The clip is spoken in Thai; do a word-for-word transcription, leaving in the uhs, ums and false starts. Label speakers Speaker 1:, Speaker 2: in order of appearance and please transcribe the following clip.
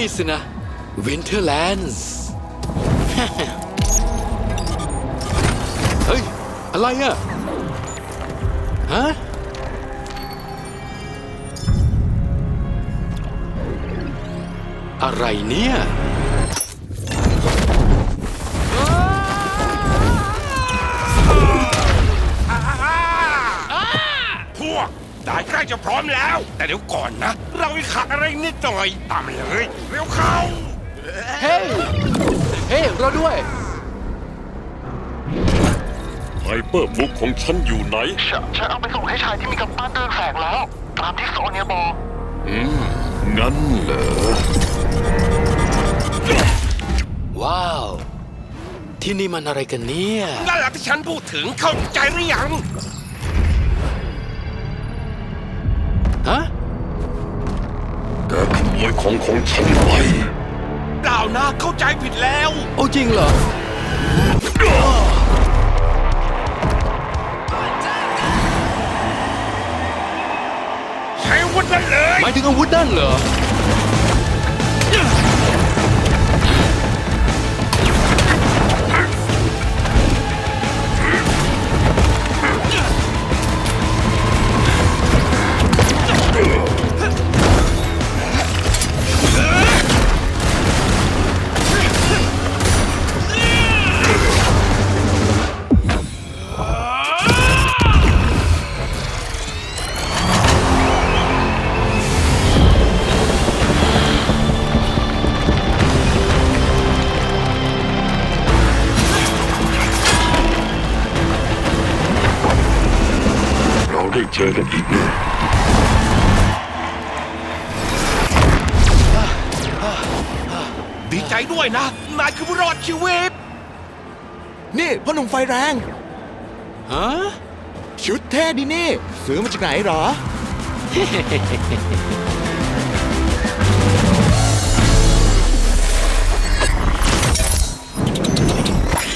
Speaker 1: นี่สินะวินเทอร์แลนด์เฮ้ยอะไรอะฮะอะไรเนี่ย
Speaker 2: พวกได้ใกล้จะพร้อมแล้ว แต่เดี๋ยวก่อนนะ เราอีกขาดอะไรนิดหน่อยตามมาเลยเร็วเข้า
Speaker 1: เฮ้ยเฮ้ยเราด้วย
Speaker 3: ไฮเปอร์บุ๊กของฉันอยู่ไหน
Speaker 4: ฉันฉันเอาไปส่งให้ชายที่มีกำปั้นเดินแสงแล้ว ตามที่โซเนียบอก
Speaker 3: อืม งั้นเหรอ
Speaker 1: ว้าว ที่นี่มันอะไรกันเนี่ย
Speaker 2: นั่นแหละที่ฉันพูดถึงเข้าใจหรือยัง
Speaker 1: ฮะ
Speaker 3: แกขโมยของของฉันไป
Speaker 2: เปล่านะเข้าใจผิดแล้ว
Speaker 1: โอ้จริงเหรอ
Speaker 2: ใช้อาวุธนั่นเลย
Speaker 1: หมายถึงอาวุธนั่นเหรอ
Speaker 3: เราได้เจอกันอีกแน่
Speaker 2: ดีใจด้วยนะ นายคือผู้รอดชีวิต
Speaker 5: นี่พ่อหนุ่มไฟแรง
Speaker 1: ฮะ
Speaker 5: ชุดเท่ดีนี่ ซื้อมาจากไหนเหรอ